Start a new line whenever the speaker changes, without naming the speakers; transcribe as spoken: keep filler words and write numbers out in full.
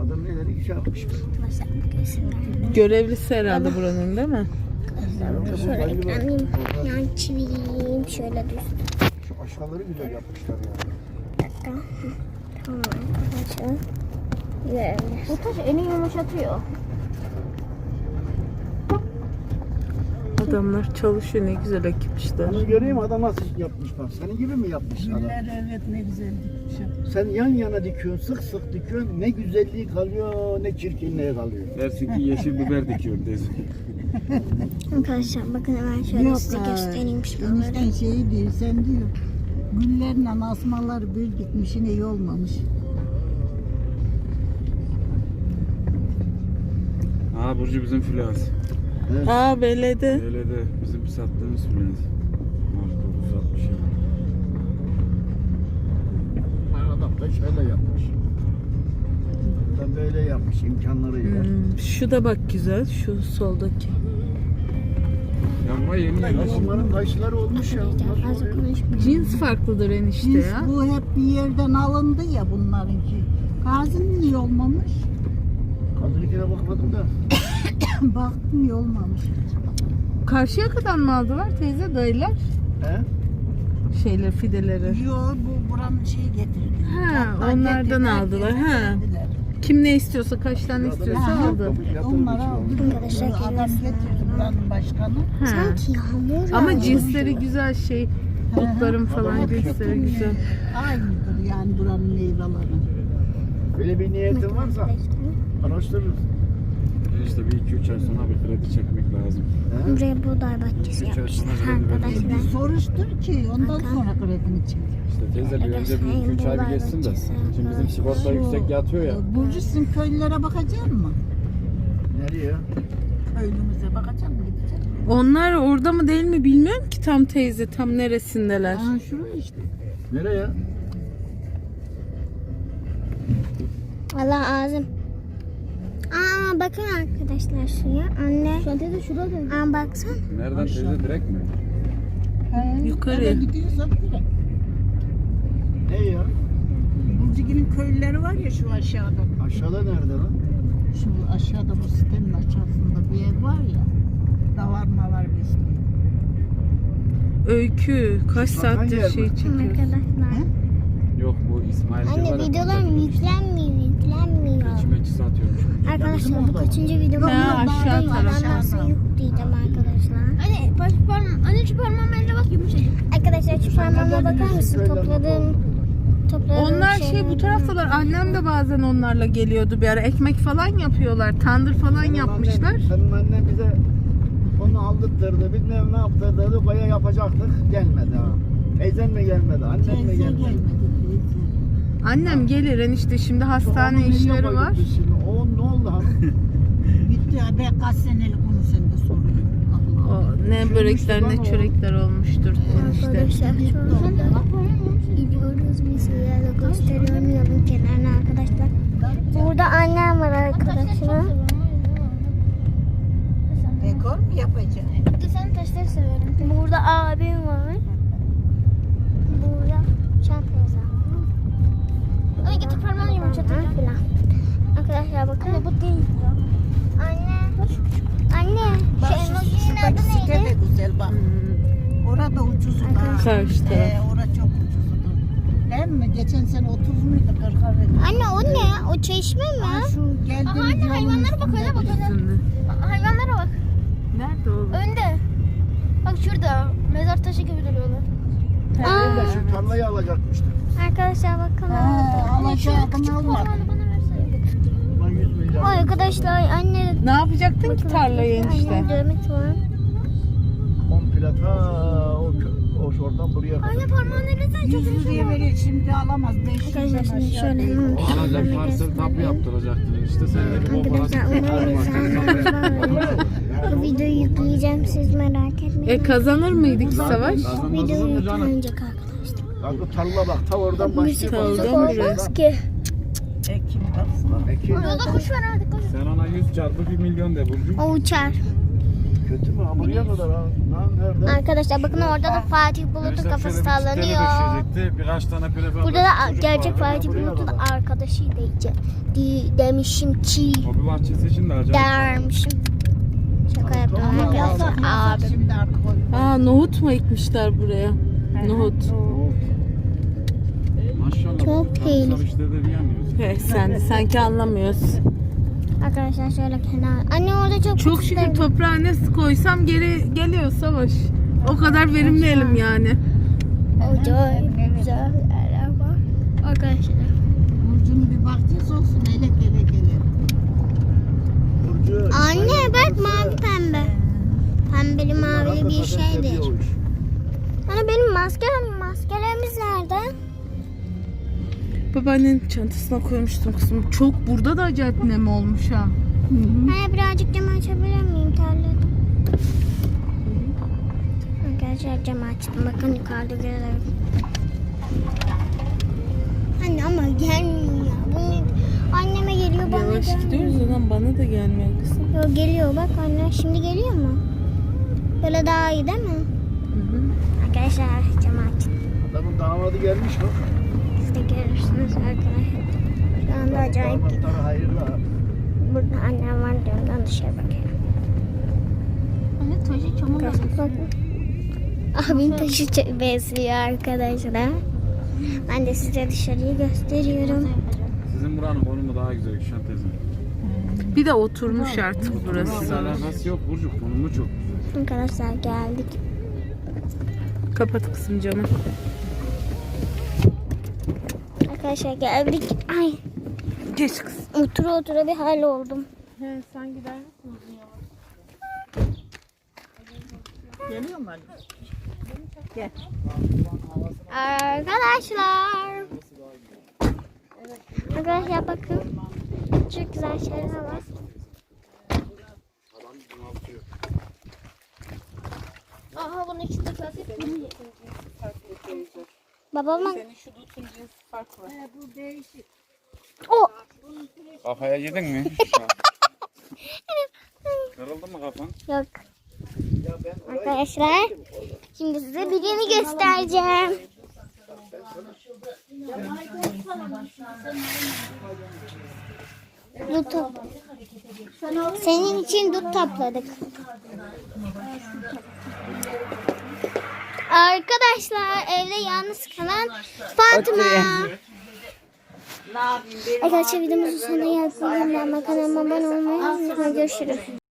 Adam neleri iş yapmış.
Görevlisi herhalde buranın, değil mi?
Şöyle ekranlayayım. Yan çivileyim. Şöyle düşsün.
Şu aşağıları güzel yapmışlar yani.
Bir dakika. Tamam arkadaşlar. Görevli. Bu taş eni yumuşatıyor.
Adamlar çalışıyor, ne güzel ekipmişler.
Bunu göreyim adam nasıl yapmış bak. Senin gibi mi yapmış adam?
Güller evet ne güzel dikmiş.
Sen yan yana dikiyorsun, sık sık dikiyorsun. Ne güzelliği kalıyor, ne çirkinliği kalıyor.
Dersin ki yeşil biber dikiyorum teyze.
Arkadaşlar bakın hemen şöyle size göstereyim şuraları.
Enişten şeyi diyor, sen diyor, güllerle asmalar bir gitmiş, yine iyi olmamış.
Aa Burcu bizim filaz.
Evet.
Aa beledi.
Öyle de bizim sattığımız filaz. Marka dokuz altmış.
Adam da şöyle yapmış. Adam böyle yapmış imkanlarıyla.
Hmm, şu da bak güzel, şu soldaki.
Yanma yeni
Ya
yeni.
onların taşları olmuş ya.
Arkadaşlar fazla konuşmayayım.
Cins farklıdır enişte
Biz
ya.
bu hep bir yerden alındı ya bunlarınki. Gazi'nin iyi olmamış.
Kadınınkine bakmadım da.
Baktım iyi olmamış.
Karşıya kadar mı aldılar teyze, dayılar?
He?
Şeyler, fideleri.
Yo bu buranın şeyi getirdi.
Ha,
Hatta
onlardan
getirdiler,
aldılar, ha.
getirdiler.
Kim ne istiyorsa, kaç tane istiyorsa
Ha,
aldı.
Onları aldı.
Arkadaşlar
Adam
görüyorsunuz.
getirdi buranın başkanı.
Ha.
Sanki yağmur
Ama
yağıyor.
cinsleri güzel şey. Otların falan
Adamlar
cinsleri güzel.
Aynıdır yani buranın meyveleri.
Böyle bir niyetin varsa araştırırız.
İşte bir iki üç ay sonra bir kredi çekmek lazım.
He?
Buraya buğday bahçesi
Üç ay
yapmışlar
sonra kredi
arkadaşlar.
veririz.
Soruştur ki ondan sonra kredini çek.
İşte teyze bir önce bir iki üç ay bir geçsin de. Şimdi bizim sigorta yüksek yatıyor ya.
Burcu sizin köylülere bakacak mı?
Nereye?
Köylümüze bakacak mı? Gidecek mi?
Onlar orada mı değil mi bilmiyorum ki tam teyze, tam neresindeler.
Aa şurada işte.
Nereye?
Allah ağzım. Aa bakın arkadaşlar şuraya. Anne. Şu an teyze şurada. Aa baksana.
Nereden teyze direkt mi?
He,
Yukarı.
nereye gidiyorsak direkt.
Ne ya?
Burcu'nun köylüleri var ya şu aşağıda.
Aşağıda nerede lan?
Şu aşağıda bu sitenin aşağısında bir ev var ya. Davarma var bir site.
Öykü kaç
Bakan
saattir
yer
şey
mi?
çekiyorsun?
Arkadaşlar.
Yok bu İsmail
Anne
var ya,
videolarım
kontak
yüklenmiyor, yüklenmiyor.
İçmeci satıyormuş.
Arkadaşlar bu kaçıncı video?
Ha, aşağı taraf.
Nasıl yok diyeceğim arkadaşlar. Anne baş parmağım, anne şu parmağımın eline bak yumuşacık. Arkadaşlar şu parmağıma bakar mısın? Topladığım topladığım
Onlar şey bu taraftalar. Annem de bazen onlarla geliyordu bir ara. Ekmek falan yapıyorlar. Tandır falan
Senin
yapmışlar.
annen- Senin annen bize onu aldırttırdı, bilmem ne yaptırdı, baya yapacaktık, gelmedi ha. Teyzen mi gelmedi, annen mi
Teyze
gelmedi?
gelmedi teyze.
Annem gelir enişte, şimdi hastane
Onu nereye
işleri
koyduk
var.
biz şimdi? O ne oldu hanım?
Bitti ya ben kaç senelik onu sen de soruyorsun. Allah Allah.
O ne börekler ne çörekler olmuştur enişte.
Arkadaşlar şurada gidiyoruz biz sizlerle gösteriyorum yolun kenarına arkadaşlar. Burada annem var arkadaşlar.
Dekor mu yapacaksın?
Sen taşları seviyorum. Burada abim var. Burada şarkıyız abi. Ay getir parmağını yumuşatacağım. Arkadaşlar bakın. Anne bu değil ya. Anne. Anne.
Bak
Şu
şu
emojinin adı
şuradaki site de
neydi?
güzel bak. Orada ucuzu da.
Karşıda.
Ee, orada çok ucuzudur. Değil mi? Geçen sene otuz muydu kırka verdi.
Anne o ne? O çeşme mi?
Aa, şu geldiğimiz
Anne
yolun
hayvanlara bak
üstünde
öyle bak
bir-
öyle.
Üstünde.
Hayvanlara bak.
Nerede oğlum?
Önde. Bak şurada. Mezar taşı gibi duruyorlar.
Ben de şu tarlayı alacakmıştım.
Arkadaşlar bakın.
Ha, alacaktım
Küçük
almadım.
parmağını bana versene.
Ulan yüz milyar.
Ay arkadaşlar anne.
Ne yapacaktın ki tarlayı enişte?
Annem dövmek var.
Komple ta o, kö- o şuradan buraya kadar.
Anne parmağını elesen çok
yüz liraya veriyor şimdi alamaz. beş
Arkadaşlar
yüzden
şimdi
aşağı
şöyle
değil.
hemen
O alacak
şöyle
parsel tapu
göstereyim.
yaptıracaktın işte sen de bir bomba
Arkadaşlar umarım bu videoyu yükleyeceğim, siz merak etmeyin.
E kazanır mıydık savaş?
Videoyu yüklenecek arkadaşlar.
Bak bu tarla bak ta oradan başlıyor.
Oradan
Bak,
buraya.
bak,
ki.
Ekim baksana.
Peki.
Yolda kuş var hadi koş.
Sen ona yüz çarpı bir milyon de Burcu.
O uçar.
Kötü mü? Ha, buraya kadar ha. Lan nerede?
Arkadaşlar bakın orada da Fatih Bulut'un kafası sallanıyor.
Birkaç tane prefer.
Burada da gerçek Fatih Bulut'un arkadaşıydı iyice. De, demişim ki.
Hobi bahçesi için de acayip.
Dermişim. Şaka yapıyorum arkadaşlar. Abi.
Şimdi artık o-
Aa nohut mu ekmişler buraya? Nohut.
Maşallah.
Çok iyi.
Tarımsal işlerde bir yanmıyoruz.
He, sen de sanki anlamıyorsun.
Arkadaşlar şöyle kenar. Anne orada çok
Çok şükür toprağa ne koysam geri geliyor Savaş. O kadar verimleyelim yani.
acayip güzel yerler var. Arkadaşlar.
Burcu'nun bir bahçesi olsun elek elek elek.
Burcu.
Anne bak mavi pembe. Pembeli mavili bir şeydir. Anne benim maskem, maskelerimiz nerede?
Babaannenin çantasına koymuştum kızım. Çok burada da acayip nem olmuş ha.
Anne birazcık camı açabilir miyim? Terledim. Arkadaşlar camı açtım. Bakın yukarıda görüyorum. Anne ama gelmiyor ya. Bunu anneme geliyor bana
Yavaş
gelmiyor.
gidiyoruz ondan bana da gelmiyor kızım.
Yo, geliyor bak anne. Şimdi geliyor mu? Böyle daha iyi değil mi?
Hı hı.
Arkadaşlar camı açtım.
Adamın damadı gelmiş mi?
Siz de görürsünüz arkadaşlar. Şu anda acayip gidiyor.
Damatları hayırlı ha.
Burada annem var diyorum. Dışarı bakıyorum.
Anne taşı çamur
Bakın, bakın. Abim taşı ç- besliyor arkadaşlar. Ben de size dışarıyı gösteriyorum.
Sizin buranın konumu daha güzel Gülşen teyze.
Bir de oturmuş artık burası
Burası
Savaş.
alakası yok Burcu. Konumu çok.
Arkadaşlar geldik.
Kapat kızım camı.
Arkadaşlar geldik. Ay
Geç kızım.
otura otura bir hal oldum.
He, sen gider misin?
geliyor mu anne?
Arkadaşlar. Arkadaşlar bakın. Çok güzel şeyler var. Aha bunun içinde klasik bir Babamın
Senin şu dutun cinsi farklı.
o
Kafaya yedin mi? Kırıldı mı kafan?
yok. Arkadaşlar şimdi size birini göstereceğim. Dut top. Senin için dut topladık. Arkadaşlar evde yalnız kalan Fatma. Arkadaşlar videomuzun sonuna geldik. Kanalıma abone olmayı unutmayın. Görüşürüz.